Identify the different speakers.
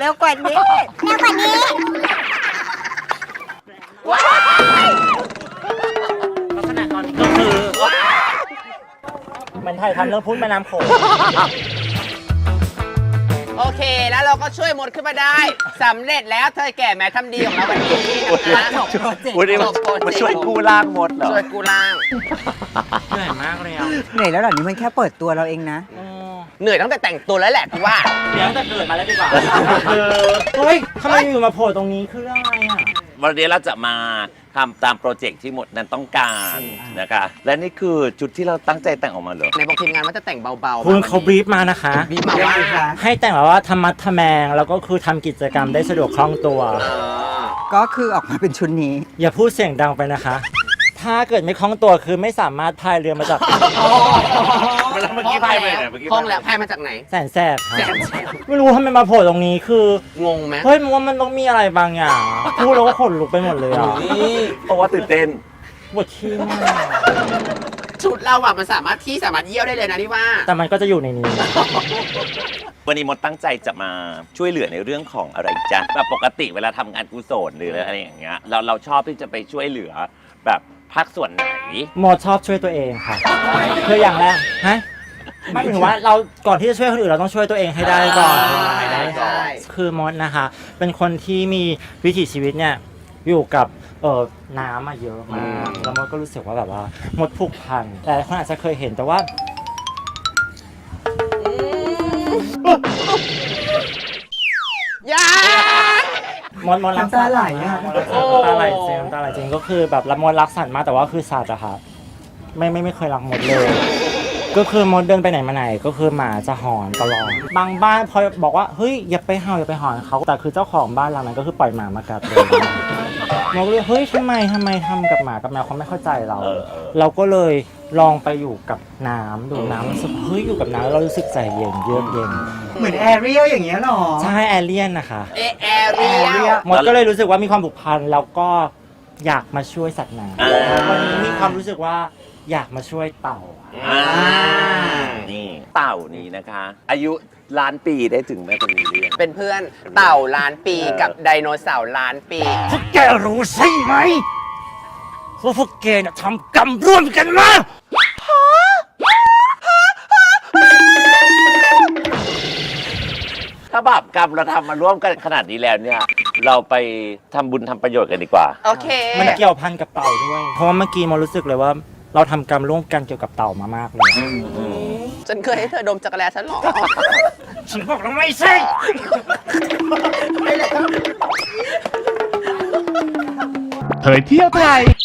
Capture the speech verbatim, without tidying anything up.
Speaker 1: วกว่านี้เร็วกว่านี้
Speaker 2: ลักษณะตอนนี้ก็คือมันถ่ายทำเรื่องพุ้นแม่น้ำโขง
Speaker 3: โอเคแล้วเราก็ช่วยมดขึ้นมาได้สำเร็จแล้วเธอแก่แม้ทำดีของเราวันนี้นะคะจบโปรเจกต์
Speaker 4: วันนี้มาช่วยกู้ร่างมดเหรอ
Speaker 3: ช่วยกู้ร่าง
Speaker 2: เหนื่อยมากเลยอ่ะ
Speaker 1: เหนื่อยแล้วเหล่านี้มันแค่เปิดตัวเราเองนะ
Speaker 3: เหนื่อยตั้งแต่แต่งตัวแล้วแหละกูว่า
Speaker 2: เดี๋ยวจะเกิดมาแล้วดีกว่าเฮ้ยทำไมอยู่มาโผล่ตรงนี้คือเรื่องอะไรอ่ะ
Speaker 4: วันนี้เราจะมาทำตามโปรเจกต์ที่หมดนั้นต้องการนะคะและนี่คือชุดที่เราตั้งใจแต่งออกมาเหรอ
Speaker 3: ในบอกทีมงานว่าจะแต่งเบาๆ
Speaker 2: คุณเขาบรีฟมานะคะ
Speaker 3: บรีฟมาว่า
Speaker 2: ให้แต่งแบบว่าธรรมะทแมงแล้วก็คือทำกิจกรรมได้สะดวกคล่องตัว
Speaker 1: ก็คือออกมาเป็นชุดนี้
Speaker 2: อย่าพูดเสียงดังไปนะคะถ้าเกิดไม่คล่องตัวคือไม่สามารถพายเรือมาจาก
Speaker 4: เมื่อกี้พายไปไหนเมื่อกี้
Speaker 3: คล่องแล้วพายมาจากไหน
Speaker 2: แสนแสบไม่รู้ทำไมมาโผล่ตรงนี้คือง
Speaker 3: งไหม
Speaker 2: เฮ้ยมันว่ามันต้องมีอะไรบางอย่างพูดแล้วก็ขนลุกไปหมดเลยอ่ะ
Speaker 4: เพราะว่าตื่นเต้น
Speaker 2: ปวดขี้มาก
Speaker 3: ชุดเราอะมันสามารถที่สามารถเยี่ยวได้เลยนะที่ว่า
Speaker 2: แต่มันก็จะอยู่ในนี้
Speaker 4: วันนี้มดตั้งใจจะมาช่วยเหลือในเรื่องของอะไรจ๊ะแบบปกติเวลาทำงานกุศลหรืออะไรอย่างเงี้ยเราเราชอบที่จะไปช่วยเหลือแบบภาคส่วนไหน
Speaker 2: โมชอบช่วยตัวเองค่ะคืออย่างแรกฮะไม่ถึงว่าเราก่อนที่จะช่วยคนอื่นเราต้องช่วยตัวเองให้ได้ก่อนคือมดนะคะเป็นคนที่มีวิถีชีวิตเนี่ยอยู่กับเออน้ำมาเยอะมากแล้วมดก็รู้สึกว่าแบบว่ามดผูกพันแต่คนอาจจะเคยเห็นแต่ว่ายามดมดรักสัตว์ไหลอ่ะตาไหลจริงตาไหลจริงก็คือแบบรับมดรักสัตว์มากแต่ว่าคือสัตว์อะค่ะไม่ไม่ไม่เคยรักมดเลยก็คือมดเดินไปไหนมาไหนก็คือหมาจะหอนตลอดบางบ้านพอบอกว่าเฮ้ยอย่าไปเห่าอย่าไปหอนเขาแต่คือเจ้าของบ้านหลังนั้นก็คือปล่อยหมามากัดเลยมดก็เลยเฮ้ยทำไมทำไมทำกับหมากับแมวเขาไม่เข้าใจเราเราก็เลยลองไปอยู่กับน้ำดูน้ำรู้สึกเฮ้ยอยู่กับน้ำเรารู้สึกใจเย็นเยือกเย็น
Speaker 1: เหมือนแอเรียลอย่างเงี้ยหรอ
Speaker 2: ใช่แอเรียนนะคะ
Speaker 3: เอแอเรียล
Speaker 2: มดก็เลยรู้สึกว่ามีความผูกพันแล้วก็อยากมาช่วยสัตว์น้ำวันนี้มีความรู้สึกว่าอยากมาช่วยเต่า
Speaker 4: นี่เต่านี้นะคะ อายุล้านปีได้ถึงแม่คนนี้เรียน
Speaker 3: เป็นเพื่อนเต่าล้านปีกับไดโนเสาร์ล้านปี
Speaker 2: พวกแกรู้ใช่ไหมว่าพวกแกน่ะทำกรรมร่วมกันมา
Speaker 4: ถ้าบาปกรรมเราทำมาร่วมกันขนาดนี้แล้วเนี่ยเราไปทำบุญทำประโยชน์กันดีกว่า
Speaker 3: โอเค
Speaker 2: มันเกี่ยวพันกับเต่าด้วยเพราะว่าเมื่อกี้มันรู้สึกเลยว่าเราทำกรรมร่วมกันเกี่ยวกับเต่ามามากเลย
Speaker 3: ฉันเคยให้เธอดมจักรแลฉันหรอ
Speaker 2: ฉันบอกแล้วไม่ใช่
Speaker 5: เผยเที่ยวไทย